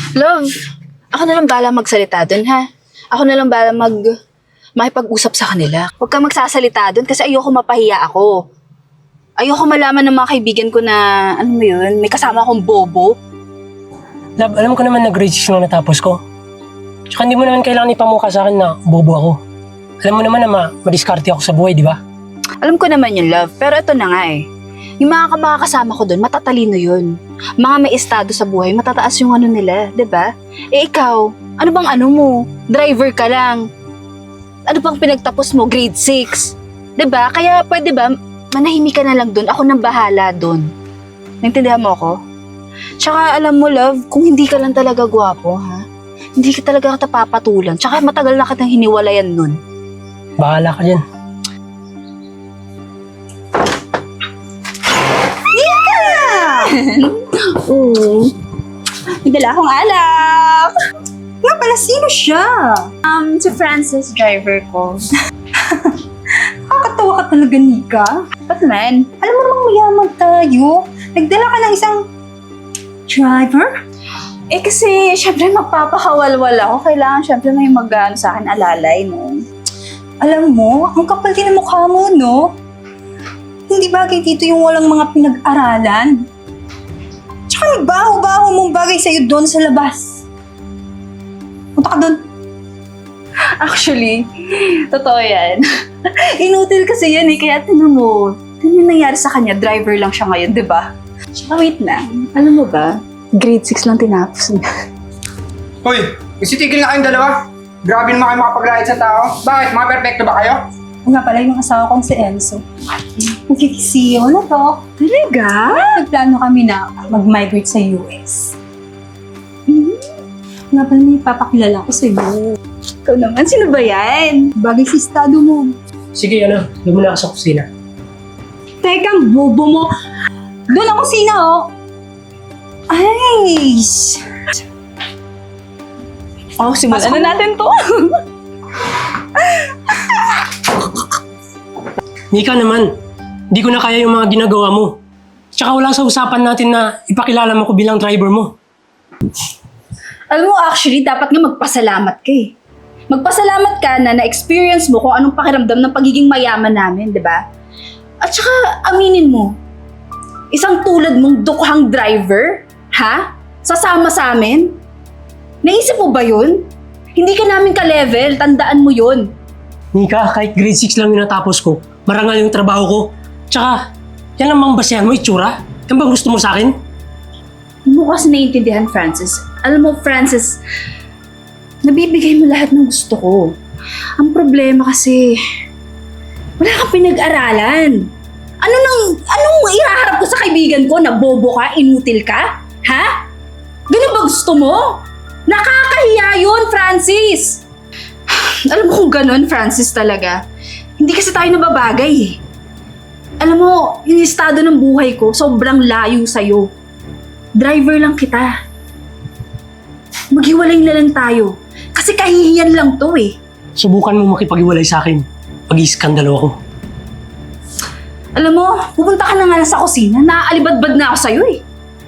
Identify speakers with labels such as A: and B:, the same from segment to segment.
A: Love, ako na lang bahala magsalita dun, ha? Ako na lang bahala makipag-usap sa kanila. Huwag kang magsasalita dun kasi ayoko mapahiya ako. Ayoko malaman ng mga kaibigan ko na, ano mo yun, may kasama akong bobo.
B: Love, alam ko naman na grade 6 nung natapos ko. Tsaka hindi mo naman kailangan ipamukha sa akin na bobo ako. Alam mo naman na madiskarte ako sa buhay, di ba?
A: Alam ko naman yun, love, pero ito na nga eh. Yung mga kasama ko dun, matatalino yun. Mga may estado sa buhay, matataas yung ano nila, 'di ba? Eh ikaw, ano bang ano mo? Driver ka lang. Ano bang pinagtapos mo? Grade 6. 'Di ba? Kaya pwede ba, manahimik ka na lang dun, ako nang bahala dun. Naintindihan mo ako? Tsaka alam mo, love, kung hindi ka lang talaga gwapo, ha? Hindi ka talaga kita papatulan. Tsaka matagal na kitang hiniwalayan nun.
B: Bahala ka dyan.
A: May dala akong alak.
C: Nga pala, sino siya?
A: Si Francis, driver ko.
C: Nakakatawa ka talaga, Nika.
A: Ba't man?
C: Alam mo namang mayaman tayo. Nagdala ka ng isang driver?
A: Eh kasi, syempre magpapakawalwal ako. Kailangan syempre may mag-ano sa akin alalay, no?
C: Alam mo, ang kapal din ng mukha mo, no? Hindi bagay dito yung walang mga pinag-aralan. Tsaka may baho-baho mong bagay sa'yo doon sa labas. Punta ka doon.
A: Actually, totoo yan. Inutil kasi yan eh, kaya tinan mo. Tinan mo nangyari sa kanya, driver lang siya ngayon, di ba? Tsaka wait lang, alam mo ba, grade 6 lang tinapos niya.
D: Hoy, isitigil na kayong dalawa. Grabe naman kayo makapaglayad sa tao. Bakit? Mga perfecto ba kayo?
C: Ang nga pala yung asawa kong si Enzo. Magkikisiyo na to.
A: Talaga?
C: Nagplano kami na mag-migrate sa US. Nga pala may papakilala ko sa'yo.
A: Ikaw naman, sino ba yan?
C: Bagay sa estado mo.
B: Sige, doon muna ako sa kusina.
C: Teka, bobo mo. Doon ang kusina, oh. Ay!
A: Oh, simulan na natin to.
B: Nika naman, hindi ko na kaya yung mga ginagawa mo. Tsaka wala sa usapan natin na ipakilala mo ko bilang driver mo.
A: Alam mo, actually, dapat nga magpasalamat ka eh. Magpasalamat ka na na-experience mo kung anong pakiramdam ng pagiging mayaman namin, di ba? At saka, aminin mo, isang tulad mong dukhang driver, ha? Sasama sa amin? Naisip mo ba yun? Hindi ka namin ka-level, tandaan mo yun.
B: Nika, kahit grade 6 lang yung natapos ko, marangal yung trabaho ko. Tsaka, yan lang bang basehan mo, itsura? Yan bang gusto mo sa akin?
A: Hindi mo kasi naiintindihan, Francis. Alam mo, Francis, nabibigay mo lahat ng gusto ko. Ang problema kasi, wala kang pinag-aralan. Anong ihaharap ko sa kaibigan ko na bobo ka, inutil ka? Ha? Ganun ba gusto mo? Nakakahiya yun, Francis! Alam mo kung ganun, Francis talaga. Hindi kasi tayo nababagay eh. Alam mo, yung estado ng buhay ko, sobrang layo sa'yo. Driver lang kita. Maghiwalay na lang tayo. Kasi kahihiyan lang to eh.
B: Subukan mo makipag-iwalay sa akin. Pag-iiskandalo ako.
A: Alam mo, pupunta ka na nga lang sa kusina. Naaalibadbad na ako sa'yo eh.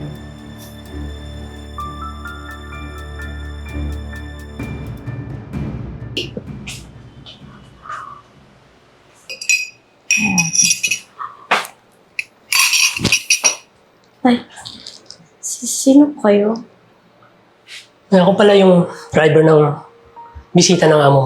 E: Ay, sino po kayo?
B: Ako pala yung driver ng bisita ng amo.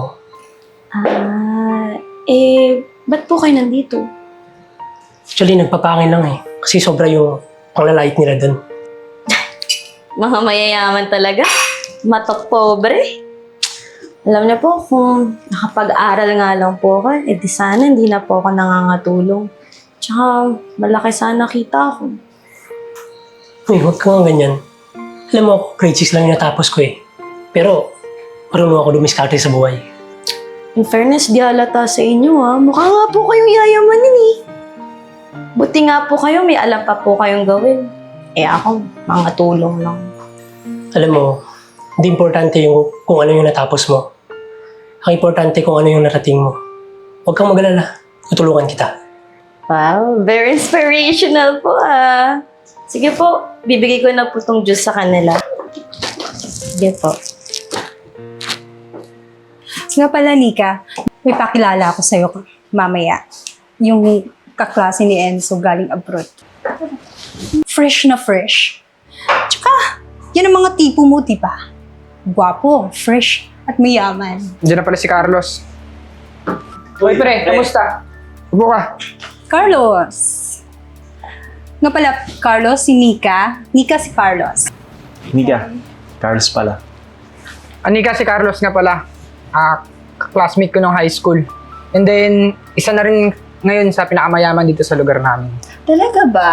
E: Ba't po kayo nandito?
B: Actually, nagpapangin lang eh. Kasi sobra yung panglalait nila dun.
E: Mga mayayaman talaga. Matok pobre. Alam niyo po, kung nakapag-aral nga lang po ako, di sana hindi na po ako nangangatulong. Tsaka, malaki sana kita ako.
B: Uy, huwag ka nga ganyan. Alam mo, grade 6 lang yung natapos ko eh. Pero, marunong ako dumiskarte sa buhay.
E: In fairness, di halata sa inyo ha. Mukha nga po kayong yayamanin eh. Buti nga po kayo, may alam pa po kayong gawin. Ako, mga tulong lang.
B: Alam mo, hindi importante yung kung ano yung natapos mo. Ang importante kung ano yung narating mo. Huwag kang mag-alala. Tutulungan kita.
E: Wow, very inspirational po ah. Sige po, bibigay ko na po tong juice sa kanila. Sige po.
C: Nga pala, Nika, may pakilala ako sa'yo mamaya. Yung kaklase ni Enzo galing abroad. Fresh na fresh. Tsaka, yan ang mga tipo mo, diba? Gwapo, fresh, at mayaman.
D: Diyan na pala si Carlos. Hoy pre, kamusta? Upo ka.
C: Carlos. Nga pala, Carlos, si Nika. Nika si Carlos.
F: Nika, Carlos pala.
D: Anika, si Carlos nga pala. Classmate ko nung high school. And then, isa na rin ngayon sa pinakamayaman dito sa lugar namin.
C: Talaga ba?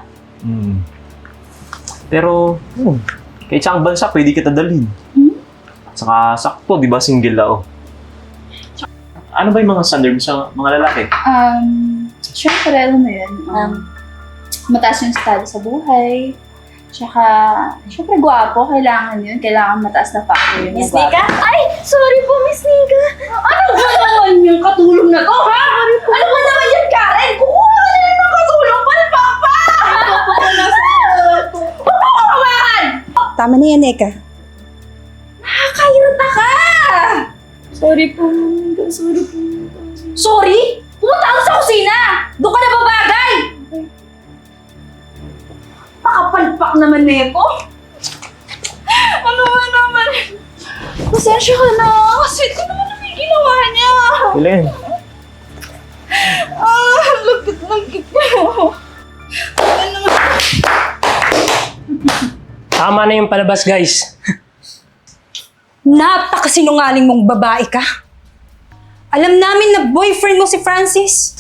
F: Pero, kahit saan bansa, pwede kita dalhin. Saka sakto, di ba, single ako. Ano ba yung mga standard sa mga lalaki?
A: Siyempre, alam mo yun, mataas yung estado sa buhay. Tsaka, siyempre, gwapo, kailangan yun. Kailangan mataas na factor yun.
E: Miss Nika? Ay, sorry po, Miss Nika.
A: Ano ba naman yung katulong na to, ha? Ano ba naman yan, Karen? Kukuha ka na ng katulong pa ni Papa! Papawakan!
C: Tama na yan, Nika.
A: Nakakayuta ka! Sorry po, Nika. Sorry po. Sorry? Pumunta ako sa kusina! Doon ka na babagay! Pakapalpak naman nito. Ano ba naman? Pasensya ka na. Kasi ito naman ang may ginawa niya.
F: Kailan?
A: Lagkit ko.
B: Tama na yung palabas, guys.
C: Napakasinungaling mong babae ka. Alam namin na boyfriend mo si Francis.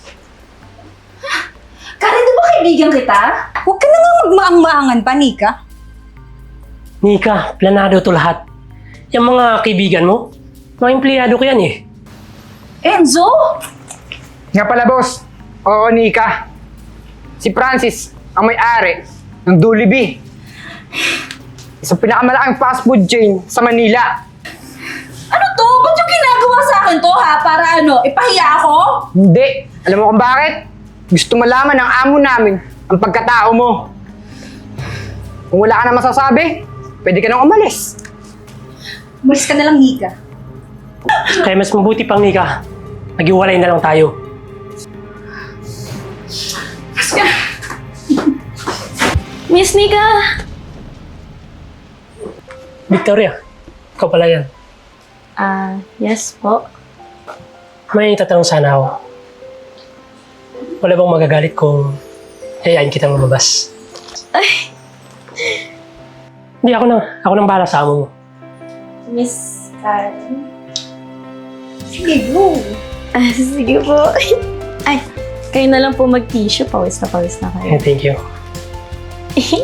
A: Karen, di ba kaibigan kita?
C: Huwag ka na nga magmaang-maangan pa, Nika.
B: Nika, planado to lahat. Yung mga kaibigan mo, mga empleyado ko yan eh.
A: Enzo?
D: Nga pala, boss. Oo, Nika. Si Francis, ang may-ari ng Jollibee. Isang pinakamalaking fast food chain sa Manila.
A: Ano to? Ba't yung ginagawa sa akin to, ha? Para ano, ipahiya ako?
D: Hindi. Alam mo kung bakit? Gusto malaman ng amo namin ang pagkatao mo. Kung wala ka na masasabi, pwede ka nang umalis.
C: Umalis ka na lang, Nika.
B: Kaya mas mabuti pang Nika, nag-iwalay na lang tayo.
E: Miss Nika!
B: Victoria, ikaw pala yan.
E: Yes po.
B: May tatanong sana ako. Wala bang magagalit kung yayain kitang lumabas?
E: Ay,
B: Hindi, ako nang bahala sa amo mo.
E: Miss Karen?
C: Sige, go.
E: Sige po. Ay, kayo na lang po mag-tissue. Pawis na kayo.
B: Thank you.